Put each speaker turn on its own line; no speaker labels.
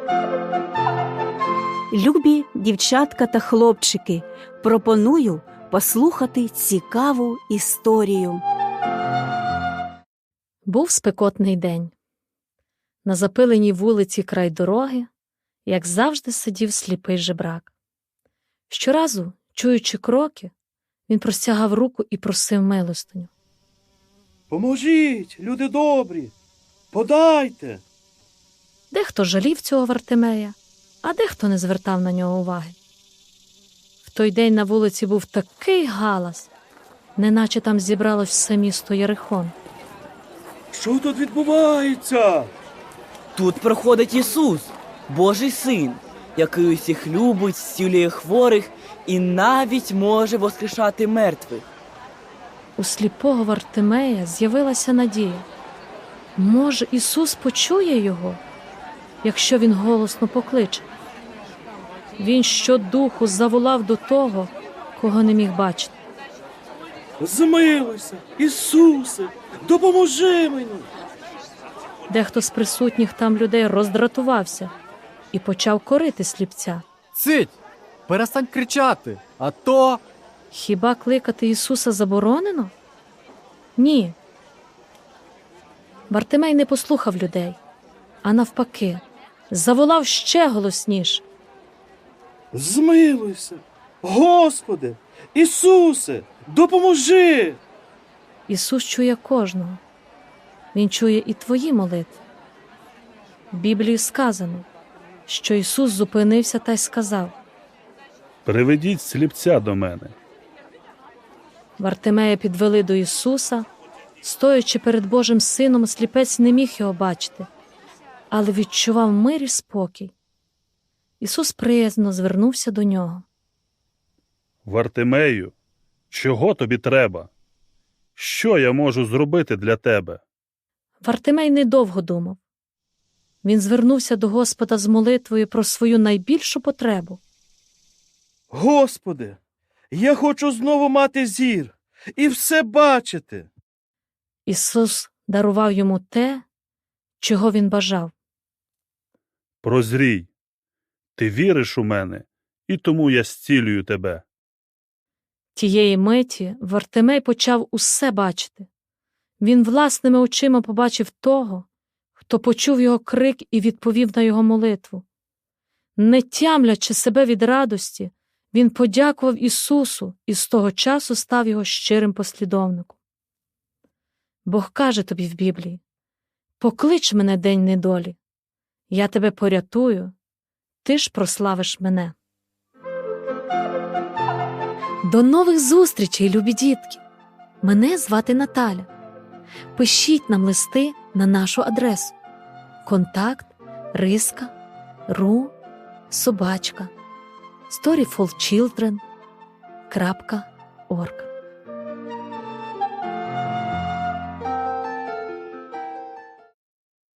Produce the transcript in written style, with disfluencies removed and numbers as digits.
Любі дівчатка та хлопчики, пропоную послухати цікаву історію.
Був спекотний день. На запиленій вулиці край дороги, як завжди, сидів сліпий жебрак. Щоразу, чуючи кроки, він простягав руку і просив милостиню.
«Поможіть, люди добрі! Подайте!»
Дехто жалів цього Вартимея, а дехто не звертав на нього уваги. В той день на вулиці був такий галас, неначе там зібралось все місто Єрихон.
«Що тут відбувається?»
Тут проходить Ісус, Божий Син, який усіх любить, зцілює хворих і навіть може воскрешати мертвих.
У сліпого Вартимея з'явилася надія. Може, Ісус почує його, якщо він голосно покличе? Він щодуху заволав до того, кого не міг бачити.
«Змилуйся, Ісусе, допоможи мені!»
Дехто з присутніх там людей роздратувався і почав корити сліпця.
Цить! Перестань кричати, а то...
Хіба кликати Ісуса заборонено? Ні. Вартимей не послухав людей, а навпаки, заволав ще голосніше.
«Змилуйся, Господи, Ісусе, допоможи!»
Ісус чує кожного. Він чує і твої молитви. В Біблії сказано, що Ісус зупинився та й сказав:
«Приведіть сліпця до мене».
Вартимея підвели до Ісуса. Стоячи перед Божим Сином, сліпець не міг його бачити, але відчував мир і спокій. Ісус приязно звернувся до нього.
«Вартимею, чого тобі треба? Що я можу зробити для тебе?»
Вартимей недовго думав. Він звернувся до Господа з молитвою про свою найбільшу потребу.
«Господи, я хочу знову мати зір і все бачити!»
Ісус дарував йому те, чого він бажав.
«Прозрій, ти віриш у мене, і тому я зцілюю тебе».
Тієї миті Вартимей почав усе бачити. Він власними очима побачив того, хто почув його крик і відповів на його молитву. Не тямлячи себе від радості, він подякував Ісусу і з того часу став його щирим послідовником. Бог каже тобі в Біблії: «Поклич мене день недолі, я тебе порятую, ти ж прославиш мене». До нових зустрічей, любі дітки! Мене звати Наталя. Пишіть нам листи на нашу адресу: kontakt@ru@storyfulchildren.org.